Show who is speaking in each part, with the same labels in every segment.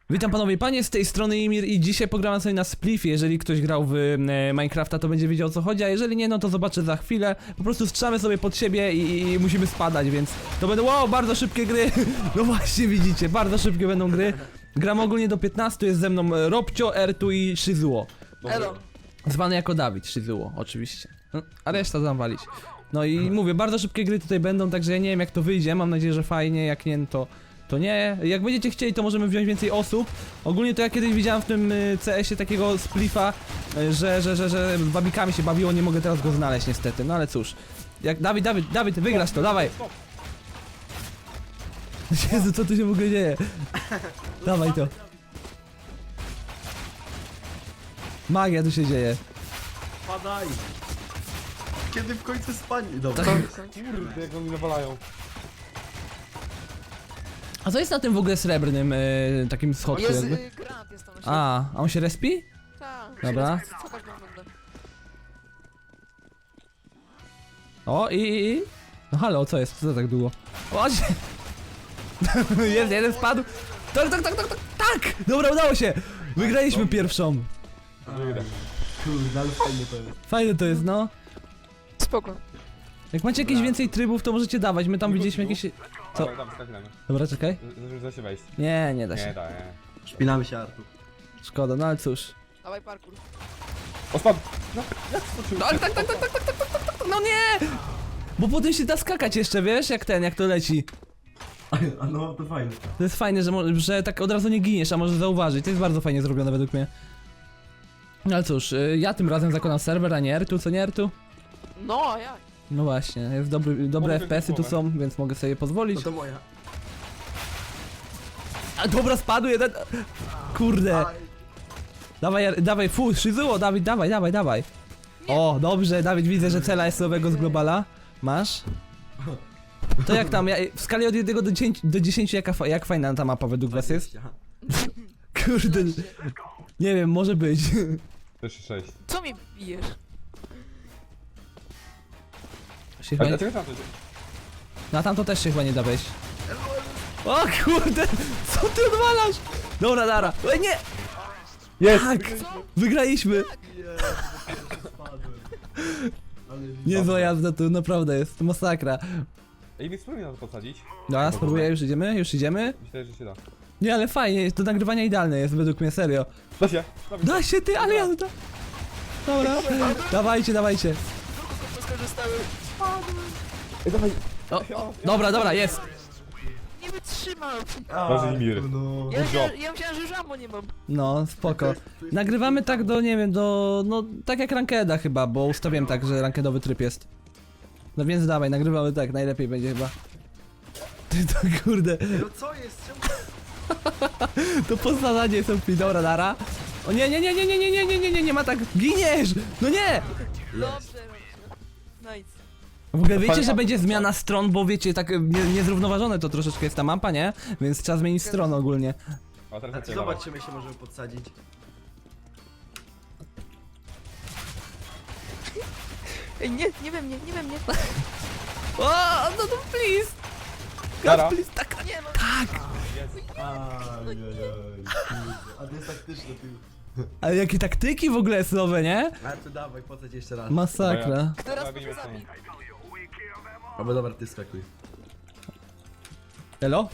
Speaker 1: Witam panowie i panie, z tej strony Imir i dzisiaj pogramy sobie na Spliffie. Jeżeli ktoś grał w Minecrafta, to będzie wiedział o co chodzi, a jeżeli nie, no to zobaczę za chwilę. Po prostu strzelamy sobie pod siebie i musimy spadać, więc to będą, wow, bardzo szybkie gry. No właśnie widzicie, bardzo szybkie będą gry. Gram ogólnie do 15, jest ze mną Robcio, Ertu i Shizuo.
Speaker 2: Elo.
Speaker 1: Zwany jako Dawid, Shizuo, oczywiście. No, a reszta zamwalić. No i mówię, bardzo szybkie gry tutaj będą, także ja nie wiem jak to wyjdzie, mam nadzieję, że fajnie, jak nie, to nie. Jak będziecie chcieli, to możemy wziąć więcej osób. Ogólnie to ja kiedyś widziałem w tym CS-ie takiego Spliffa, że wabikami się bawiło, nie mogę teraz go znaleźć niestety, no ale cóż. Jak Dawid, wygrasz to, dawaj! Jezu, co tu się w ogóle dzieje? Dawaj to. Magia tu się dzieje.
Speaker 3: Padaj! Kiedy w końcu spanie? Dobra.
Speaker 2: Kurde, jak oni nawalają.
Speaker 1: A co jest na tym w ogóle srebrnym takim schodku
Speaker 2: Jest
Speaker 1: jakby?
Speaker 2: granat jest tam.
Speaker 1: A on się respi?
Speaker 2: Tak.
Speaker 1: Dobra.
Speaker 2: Co tak wygląda?
Speaker 1: O i. No halo, co jest? Co to tak długo? O, się... Jest, jeden spadł. Tak! Dobra, udało się! Wygraliśmy pierwszą.
Speaker 3: Kurde, ale fajnie to jest.
Speaker 1: Fajne to jest, no.
Speaker 2: Spoko.
Speaker 1: Jak macie jakieś więcej trybów, to możecie dawać. My tam widzieliśmy jakieś... Co?
Speaker 4: Dobra, tam skakujemy.
Speaker 1: Dobra, czekaj.
Speaker 4: Da się wejść.
Speaker 1: Nie da
Speaker 4: Nie,
Speaker 1: się.
Speaker 4: da, nie.
Speaker 3: Szpinamy się, Artur.
Speaker 1: Szkoda, no ale cóż.
Speaker 2: Dawaj parkour.
Speaker 4: O, spadł! No, jak skoczył?
Speaker 1: Tak, no nie! Bo potem się da skakać jeszcze, wiesz? Jak to leci.
Speaker 3: A no, to fajne.
Speaker 1: To jest fajne, że tak od razu nie giniesz, a możesz zauważyć. To jest bardzo fajnie zrobione według mnie. No ale cóż, ja tym razem zakonam serwer, a nie Ertu, co nie Ertu?
Speaker 2: No, a jak?
Speaker 1: No właśnie, jest dobre
Speaker 4: Mogę
Speaker 1: FPS-y tu są, więc mogę sobie pozwolić.
Speaker 3: No to moja.
Speaker 1: A dobra, spadł jeden. Kurde. Dawaj, Shizuo, Dawid, dawaj. O, dobrze, Dawid, widzę, że cela jest nowego z globala. Masz? To jak tam, w skali od 1 do 10 jak fajna ta mapa według was jest? Kurde, nie wiem, może być.
Speaker 4: Też 6.
Speaker 2: Co mi bijesz?
Speaker 1: Się
Speaker 4: A
Speaker 1: chyba nie,
Speaker 4: dlaczego tam to jest?
Speaker 1: na tamto też się chyba nie da wejść. O kurde, co ty odwalasz? Dobra, Dara. Nie!
Speaker 4: Jest!
Speaker 1: Tak! Wygraliśmy! Niezła jazda tu, naprawdę jest, naprawdę.
Speaker 4: Ej, mi spróbuj na to posadzić.
Speaker 1: Dobra, spróbuję, już idziemy?
Speaker 4: Myślę, że się da.
Speaker 1: Nie, ale fajnie, to nagrywanie idealne jest według mnie, serio.
Speaker 4: Da się!
Speaker 1: Da się ty, ale jazda! Dobra, dawajcie.
Speaker 2: Skorzystały.
Speaker 4: Ej, dawaj!
Speaker 1: O, dobra, jest.
Speaker 2: Nie wytrzymam.
Speaker 4: Boże, Imir.
Speaker 3: No.
Speaker 2: Ja myślałem, że już ammo nie mam.
Speaker 1: No, spoko. Nagrywamy tak do, nie wiem, no tak jak rankeda chyba, bo ustawiłem tak, że rankedowy tryb jest. No więc dawaj, nagrywamy tak, najlepiej będzie chyba. Ty to kurde,
Speaker 3: No co jest? Czemu?
Speaker 1: to poznanie są dobra, Dara. O nie ma tak, giniesz! No nie!
Speaker 2: Dobrze. Nice.
Speaker 1: W ogóle wiecie, że będzie zmiana stron, bo wiecie, tak niezrównoważone to troszeczkę jest ta mapa, nie? Więc trzeba zmienić stronę ogólnie.
Speaker 4: O, teraz
Speaker 3: A
Speaker 4: ja cię
Speaker 3: zobacz, czy my się możemy podsadzić.
Speaker 2: Ej, nie we mnie.
Speaker 1: O, no please!
Speaker 4: Dara.
Speaker 1: God, please, tak!
Speaker 2: Nie no.
Speaker 3: A to jest taktyczne, ty.
Speaker 1: Ale jakie taktyki w ogóle są nowe, nie?
Speaker 3: Artur, dawaj, podsadź jeszcze raz.
Speaker 1: Masakra.
Speaker 2: Teraz
Speaker 4: Robimy
Speaker 2: może
Speaker 4: sami.
Speaker 2: zabić.
Speaker 3: Albo dobra, ty skakuj.
Speaker 1: Elo?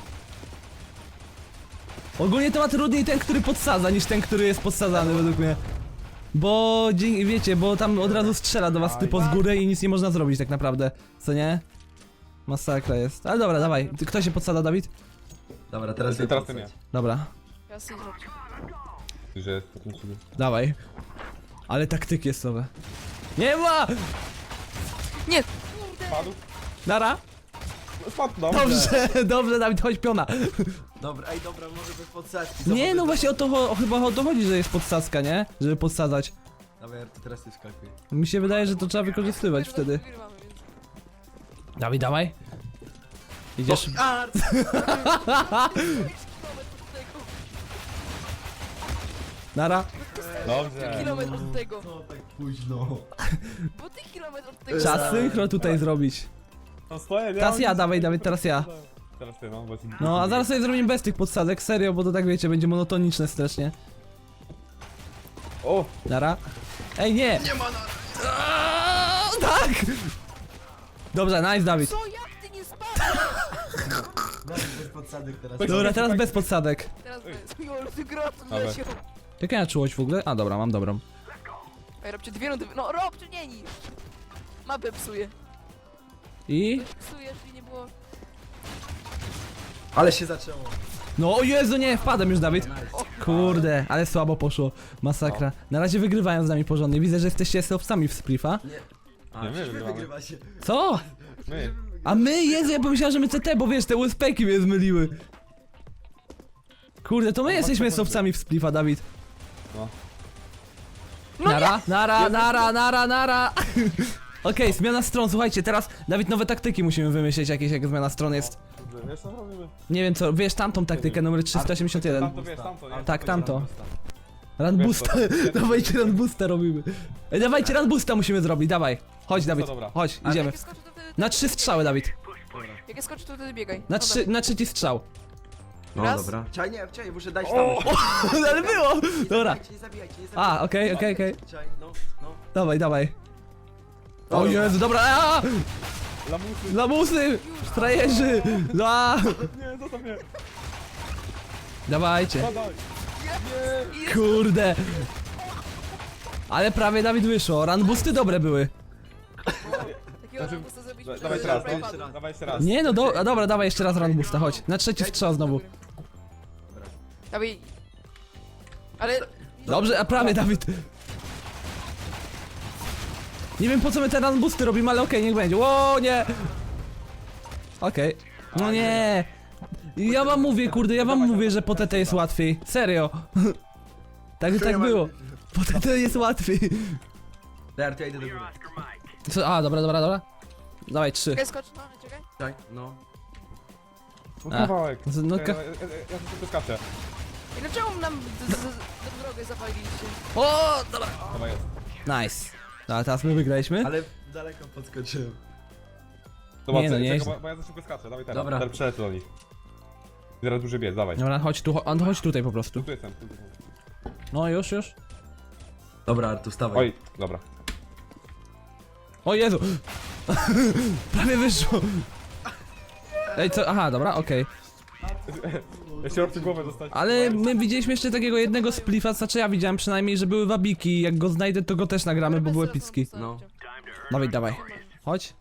Speaker 1: Ogólnie to ma trudniej ten, który podsadza, niż ten, który jest podsadzany według mnie. Bo, wiecie, bo tam od razu strzela do was typo z góry i nic nie można zrobić tak naprawdę, co nie? Masakra jest. Ale dobra, dawaj. Kto się podsada, Dawid?
Speaker 3: Dobra, teraz
Speaker 4: Teraz ty
Speaker 3: podsadź.
Speaker 4: nie.
Speaker 1: Dobra,
Speaker 2: Ja sobie zrobię.
Speaker 4: Że jest potem sobie.
Speaker 1: dawaj. Ale taktyki jest nowe. Nie ma!
Speaker 2: Nie.
Speaker 4: Spadł?
Speaker 1: Nara?
Speaker 4: Spadł, no.
Speaker 1: Dobrze, Dawid, chodź piona.
Speaker 3: Dobra, ej, dobra, może bez podsadki.
Speaker 1: Nie, no właśnie chyba o to chodzi, że jest podsadzka, nie? Żeby podsadzać.
Speaker 3: Dawaj, Artur, teraz ty skakuj.
Speaker 1: Mi się wydaje, że to trzeba wykorzystywać wtedy.
Speaker 2: Wygrywamy, więc.
Speaker 1: Dawid, dawaj. Idziesz.
Speaker 3: Artur!
Speaker 1: Nara.
Speaker 4: Dobrze.
Speaker 2: Kilometr od tego.
Speaker 3: No tak późno.
Speaker 2: Bo ty kilometr od tego.
Speaker 1: Trzeba synchro tutaj zrobić.
Speaker 4: No stoję, nie?
Speaker 1: Teraz ja, dawaj, teraz ja.
Speaker 4: teraz ty, no, bo ci...
Speaker 1: No, a zaraz sobie zrobimy bez tych podsadek, serio, bo to tak wiecie, będzie monotoniczne strasznie.
Speaker 4: O!
Speaker 1: Nara. Ej, nie! Nie ma nara! Tak! Dobrze, nice, Dawid.
Speaker 2: Co, jak ty nie spadłeś?
Speaker 3: Dawid, bez podsadek teraz.
Speaker 1: Dobra, teraz bez podsadek.
Speaker 2: Teraz bez. Jol, ty gratuluję
Speaker 4: Dobra.
Speaker 2: się.
Speaker 1: Jaka ja czułość w ogóle? A, dobra, mam dobrą.
Speaker 2: Ej, robcie dwie rundy. No, robcie, nie niż. Mapę psuje.
Speaker 1: I?
Speaker 2: Psuje, czyli nie było...
Speaker 3: Ale się zaczęło.
Speaker 1: No, o Jezu, nie, wpadłem już, Dawid. Kurde, ale słabo poszło. Masakra. Na razie wygrywają z nami porządnie. Widzę, że jesteście sami w splifa.
Speaker 3: Nie. A,
Speaker 4: Nie, my
Speaker 3: czyżby
Speaker 4: wygrywamy.
Speaker 3: wygrywa się.
Speaker 1: Co?
Speaker 4: My.
Speaker 1: A my, Jezu, ja pomyślałem, że my CT, bo wiesz, te USP-ki mnie zmyliły. Kurde, to my jesteśmy sowcami w splifa, Dawid.
Speaker 4: No.
Speaker 1: Nara. Okej, zmiana stron, słuchajcie, teraz, Dawid, nowe taktyki musimy wymyśleć jakieś, jak zmiana stron jest.
Speaker 4: Wiesz co robimy?
Speaker 1: Nie wiem co, wiesz tamtą taktykę, numer 381.
Speaker 4: Tamto, wiesz, tamto, nie?
Speaker 1: Tak, tamto.
Speaker 4: Wiesz
Speaker 1: Runboosta,
Speaker 4: co?
Speaker 1: dawajcie runboosta robimy. Ej, dawajcie runboosta musimy zrobić, dawaj. Chodź, Dawid,
Speaker 4: dobra.
Speaker 1: chodź,
Speaker 3: Ale
Speaker 1: idziemy.
Speaker 2: Jak skoczy, to wtedy...
Speaker 1: Na 3 strzały, Dawid.
Speaker 2: Jak ja skoczę, to wtedy biegaj.
Speaker 1: Na trzeci strzał.
Speaker 3: No
Speaker 2: Raz.
Speaker 3: dobra. Czaj, nie, czaj, muszę dać tam.
Speaker 1: Ale było!
Speaker 3: Nie
Speaker 1: Dobra.
Speaker 3: zabijajcie, nie zabijajcie, nie zabijajcie.
Speaker 1: A, okej.
Speaker 3: Czaj, no.
Speaker 1: Dawaj. O Jezu, dobra, aaa!
Speaker 4: Lamusy!
Speaker 1: Lamusy! Frajerzy! A!
Speaker 4: Nie, zostaw mnie!
Speaker 1: Dawajcie.
Speaker 4: Badaj!
Speaker 1: Kurde. Ale prawie Dawid wyszło. Runboosty dobre były.
Speaker 2: Takiego
Speaker 4: Znaczy,
Speaker 2: rambusta zrobiliśmy,
Speaker 4: Dawaj
Speaker 2: że
Speaker 4: teraz,
Speaker 2: prawie
Speaker 4: no.
Speaker 2: padł.
Speaker 4: Dawaj jeszcze raz.
Speaker 1: Nie no, dobra, dawaj jeszcze raz runboosta, chodź. Na trzeci strzał znowu.
Speaker 2: Dawaj. Ale...
Speaker 1: Dobrze, a prawie Dawid. Nie wiem po co my te runboosty robimy, ale okej, niech będzie. O nie! Okej. No nie! Ja wam mówię, kurde, ja wam mówię, że po TT jest łatwiej. Serio. Tak było. Po TT jest łatwiej.
Speaker 3: Dobra, to ja idę do góry.
Speaker 1: Co? A, dobra. Dawaj, 3.
Speaker 2: Czekaj, skocz, no, czekaj.
Speaker 3: Czaj, no.
Speaker 4: No kawałek.
Speaker 1: No,
Speaker 4: Ja tylko skaczę.
Speaker 2: I dlaczego nam drogę zapaliliście?
Speaker 1: O, dobra.
Speaker 4: Chyba jest.
Speaker 1: Nice. A teraz my wygraliśmy.
Speaker 3: Ale daleko podskoczyłem.
Speaker 4: Zobacz,
Speaker 1: Nie, no,
Speaker 4: czekaj,
Speaker 1: nieźle.
Speaker 4: bo ja za szybko skaczę, dawaj teraz.
Speaker 3: Dobra.
Speaker 4: Teraz przelecę do nich. Zaraz duży biec, dawaj.
Speaker 1: Dobra, chodź tu, chodź tutaj po prostu.
Speaker 4: Tu jestem.
Speaker 1: No już.
Speaker 3: Dobra, Artu, wstawaj.
Speaker 4: Oj, dobra.
Speaker 1: O Jezu! Prawie wyszło. Ej, co? Aha, dobra, okej.
Speaker 4: Ja się robię głowę dostać.
Speaker 1: Ale my widzieliśmy jeszcze takiego jednego splifa, znaczy ja widziałem przynajmniej, że były wabiki. Jak go znajdę, to go też nagramy, bo był epicki.
Speaker 3: No.
Speaker 1: Dawaj. Chodź.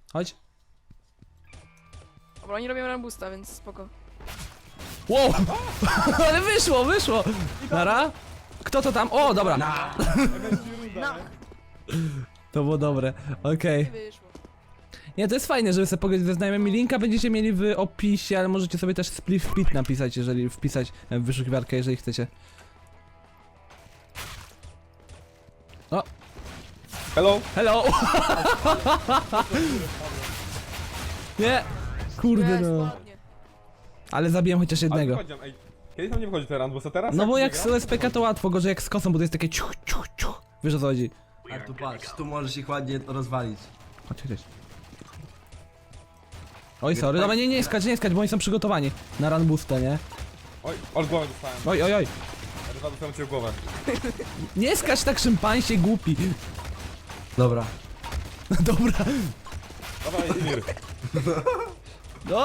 Speaker 2: Dobra, oni robią rambusta, więc spoko.
Speaker 1: Wow! Ale wyszło! Nara? Kto to tam? O, dobra.
Speaker 2: No,
Speaker 1: To było dobre, okej.
Speaker 2: nie wyszło.
Speaker 1: Nie, to jest fajne, żeby sobie pogadać ze znajomymi. Linka będziecie mieli w opisie, ale możecie sobie też split pit napisać, jeżeli wpisać w wyszukiwarkę, jeżeli chcecie. O,
Speaker 4: Hello!
Speaker 1: nie! Kurde
Speaker 2: Jest,
Speaker 1: no.
Speaker 2: ładnie.
Speaker 1: Ale zabiłem chociaż
Speaker 4: Ale
Speaker 1: jednego.
Speaker 4: wychodzi, ej. Kiedy tam nie wchodzi ten run, bo co teraz?
Speaker 1: No bo jak
Speaker 4: biega?
Speaker 1: z USPK to łatwo, gorzej jak z kosą, bo to jest takie ciuch. Wiesz o co chodzi?
Speaker 3: Artu, patrz, tu możesz ich ładnie rozwalić.
Speaker 1: Chodź. Oj, sorry, dobra, nie skacz, bo oni są przygotowani na run boosta, nie?
Speaker 4: Oj, głowę dostałem.
Speaker 1: Oj.
Speaker 4: Dwa dostałem cię w głowę.
Speaker 1: Nie skacz tak szympańsie, głupi.
Speaker 3: Dobra.
Speaker 1: Dobra.
Speaker 4: Dawaj, Emir.
Speaker 1: No!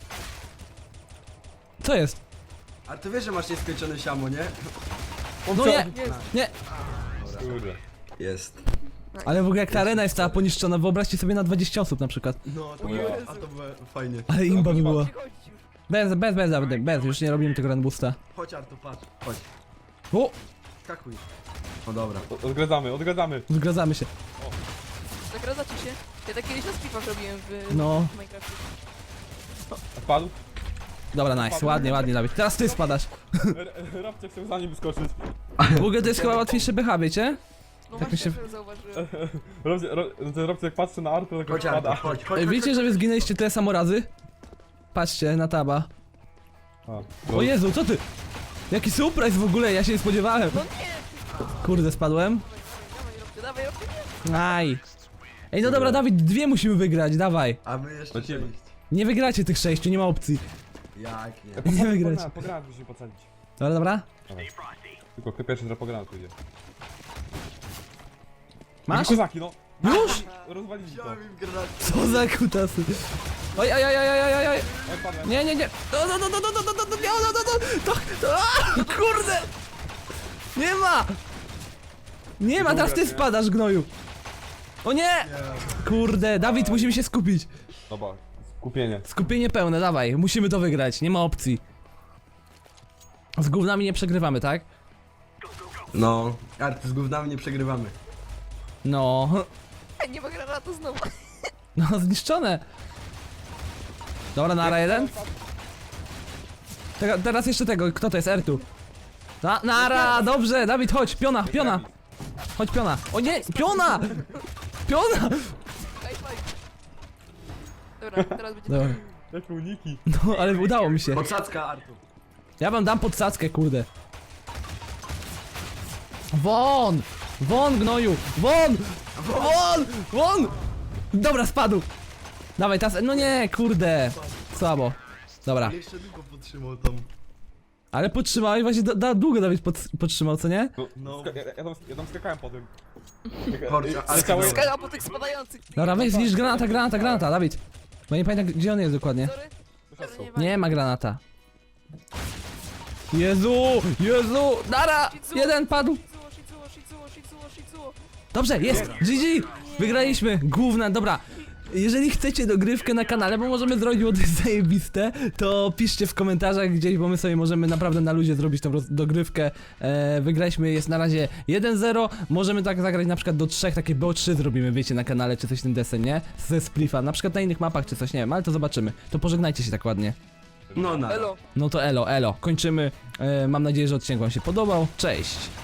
Speaker 1: Co jest?
Speaker 3: Artu, wiesz, że masz nieskończone siamo, nie?
Speaker 1: No nie,
Speaker 2: Jest.
Speaker 1: nie.
Speaker 4: Kurde.
Speaker 3: Jest.
Speaker 1: Ale w ogóle jak ta arena jest cała poniszczona, wyobraźcie sobie na 20 osób na przykład.
Speaker 3: No, to
Speaker 2: O
Speaker 3: było,
Speaker 2: Jezu.
Speaker 3: a to było fajnie.
Speaker 1: Ale imba by była.
Speaker 2: Przychodzić już.
Speaker 1: Bez, już nie robimy tego run boosta.
Speaker 3: Chodź, Artu, patrz, chodź.
Speaker 1: O!
Speaker 3: Skakuj. No dobra.
Speaker 4: Odgradzamy.
Speaker 1: Zgadzamy się.
Speaker 2: Zagradzacie się? Ja tak kiedyś na stripach robiłem w
Speaker 1: No.
Speaker 2: Minecrafcie.
Speaker 4: Spadł.
Speaker 1: Dobra, nice, ładnie, Dawid. Teraz ty spadasz.
Speaker 4: Rabcie chciał za nim wyskoczyć.
Speaker 1: W ogóle to jest chyba łatwiejsze BH, wiecie?
Speaker 2: No
Speaker 1: Tak mi
Speaker 2: właśnie,
Speaker 1: się-
Speaker 2: że zauważyłem.
Speaker 4: Rabcie jak patrzy na Artu, tak
Speaker 3: Chodź, Artu,
Speaker 4: spada.
Speaker 3: chodź.
Speaker 1: Ej, wiecie, że wy zginęliście tyle samo razy? Patrzcie na taba. O Jezu, co ty? Jaki surprise w ogóle, ja się nie spodziewałem.
Speaker 2: No nie!
Speaker 1: Kurde, spadłem.
Speaker 2: Dawaj, robcie, nie!
Speaker 1: Aj. Ej, no dobra, Dawid, 2 musimy wygrać, dawaj.
Speaker 3: A my jeszcze
Speaker 4: Lecimy.
Speaker 3: 6.
Speaker 1: Nie wygracie tych 6, nie ma opcji.
Speaker 3: Jak nie?
Speaker 1: Nie wygrać.
Speaker 4: Po granat musimy pocadzić.
Speaker 1: Dobra, dobra.
Speaker 4: Dawaj. Tylko kto pierwszy że po granat pójdzie.
Speaker 1: Masz?
Speaker 4: Kozaki, no!
Speaker 1: Już?
Speaker 4: Rozwalili to.
Speaker 3: Chciałem im granat.
Speaker 1: Co za kutasy. Oj, oj, oj, oj, oj, oj, oj.
Speaker 4: Oj, padłem.
Speaker 1: Nie, nie, nie. Kurde. Nie ma. Nie ma, teraz ty spadasz, gnoju. O nie. Kurde, Dawid, musimy się skupić.
Speaker 4: Dobra, skupienie.
Speaker 1: Skupienie pełne, dawaj. Musimy to wygrać, nie ma opcji. Z gównami nie przegrywamy, tak?
Speaker 3: No, Arty, z gównami nie przegrywamy.
Speaker 1: No.
Speaker 2: Ej, nie ma granatu znowu.
Speaker 1: No, zniszczone. Dobra, nara jeden. Teraz jeszcze tego, kto to jest? Ertu. Nara, dobrze, Dawid, chodź, piona, piona. Chodź, piona. O nie, piona! Piona!
Speaker 2: High five. Dobra, teraz będzie...
Speaker 1: Dobra.
Speaker 4: Jakie uniki.
Speaker 1: No, ale udało mi się.
Speaker 3: Podsadzka, Artu.
Speaker 1: Ja wam dam podsadzkę, kurde. Won! Won, gnoju! Won! Won! Won! Dobra, spadł. Dawaj, teraz, no nie, kurde. Słabo. Dobra.
Speaker 3: Jeszcze długo podtrzymał tam.
Speaker 1: Ale podtrzymałeś właśnie, długo Dawid podtrzymał, co nie?
Speaker 4: No,
Speaker 3: No.
Speaker 4: ja tam skakałem po tym.
Speaker 3: Kurczę, ale
Speaker 4: Skakałem-
Speaker 2: Skala po tych spadających.
Speaker 1: Dobra, weź zniszcz granata, Dawid. Bo nie pamiętam, gdzie on jest dokładnie.
Speaker 2: Sorry. Sorry,
Speaker 1: Nie ma granata. Jezu, nara! Jeden padł.
Speaker 2: Shizuo.
Speaker 1: Dobrze, jest! GG! Wygraliśmy! Główna, dobra. Jeżeli chcecie dogrywkę na kanale, bo możemy zrobić, bo to jest zajebiste, to piszcie w komentarzach gdzieś, bo my sobie możemy naprawdę na luzie zrobić tą dogrywkę. Wygraliśmy, jest na razie 1-0. Możemy tak zagrać na przykład do 3, takie BO3 zrobimy, wiecie, na kanale, czy coś w ten desen, nie? Ze Splifa, na przykład na innych mapach, czy coś, nie wiem, ale to zobaczymy. To pożegnajcie się tak ładnie.
Speaker 3: No,
Speaker 2: Elo.
Speaker 1: No to elo, kończymy. Mam nadzieję, że odcinek wam się podobał. Cześć!